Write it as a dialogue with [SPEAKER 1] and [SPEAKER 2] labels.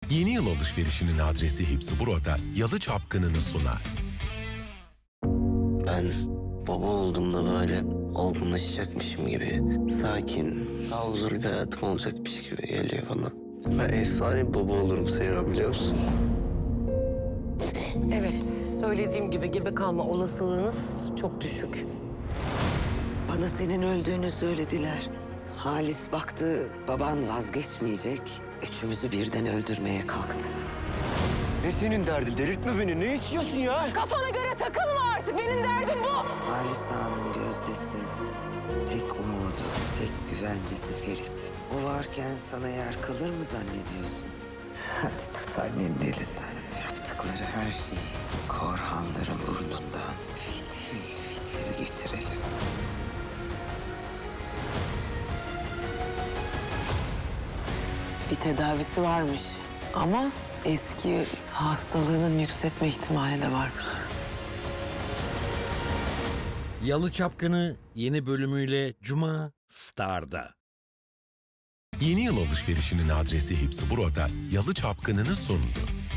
[SPEAKER 1] Yeni yıl alışverişinin adresi Hepsi Burada Yalı Çapkını'nı sunar.
[SPEAKER 2] Ben baba olduğumda böyle olgunlaşacakmışım gibi, sakin, daha huzurlu bir hayatım olacakmış gibi geliyor bana. Ben efsane bir baba olurum Seyran, biliyor musun?
[SPEAKER 3] Evet, söylediğim gibi gebe kalma olasılığınız çok düşük.
[SPEAKER 4] Bana senin öldüğünü söylediler. Halis baktı, baban vazgeçmeyecek. Üçümüzü birden öldürmeye kalktı.
[SPEAKER 2] Ne senin derdin? Delirtme beni. Ne istiyorsun ya?
[SPEAKER 3] Kafana göre takılma artık, benim derdim bu.
[SPEAKER 4] Halis Ağa'nın gözdesi, tek umudu, tek güvencesi Ferit. O varken sana yer kalır mı zannediyorsun? Hadi tut annenin elinden. Yaptıkları her şeyi Korhanların burnundan fitil fitil getirelim.
[SPEAKER 5] Bir tedavisi varmış ama eski hastalığının yükseltme ihtimali de varmış.
[SPEAKER 6] Yalı Çapkını yeni bölümüyle Cuma Star'da.
[SPEAKER 1] Yeni yıl alışverişinin adresi Hepsi Burada Yalı Çapkını'nı sundu.